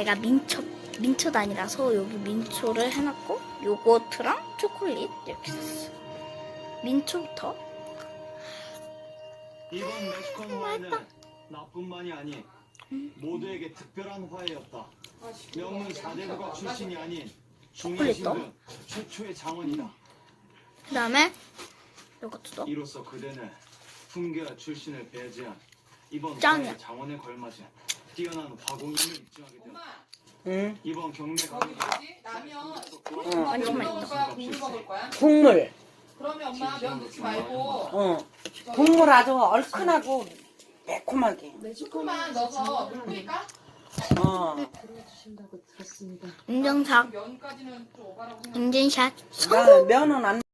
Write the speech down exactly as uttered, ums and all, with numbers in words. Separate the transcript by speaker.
Speaker 1: 내가 민초 민초 다니라서 여기 민초를 해놨고 요거트랑 초콜릿 이렇게 샀어. 민초부터.
Speaker 2: 이번 멕시컨 화해는 나뿐만이 아닌 모두에게 특별한 화해였다. 명문 사대부가 출신이 아닌 중의
Speaker 1: 초콜릿도?
Speaker 2: 신분 최초의 장원이다.
Speaker 1: 그 다음에 요거트도.
Speaker 2: 이로써 그대는 훈계와 출신을 배제한 이번
Speaker 1: 짱이야.
Speaker 2: 화해 장원에 걸맞은 뛰어난 화공임을 입증하게 되었다.
Speaker 3: 응.
Speaker 2: 이번 경매
Speaker 4: 저기
Speaker 2: 강의
Speaker 4: 뭐지? 라면.
Speaker 3: 응.
Speaker 4: 면
Speaker 1: 완전
Speaker 4: 먹을
Speaker 1: 맛있다.
Speaker 4: 거야? 국물 먹을 거야?
Speaker 3: 국물.
Speaker 4: 그러면 엄마 면 넣지 말고
Speaker 3: 어. 국물 아주 얼큰하고 매콤하게.
Speaker 4: 조금만 넣어서 물 뿌릴까?
Speaker 3: 어.
Speaker 5: 들어주신다고 들었습니다.
Speaker 1: 인증샷.
Speaker 4: 면까지는 좀 오바라고 생각.
Speaker 1: 인증샷.
Speaker 3: 나 면은 안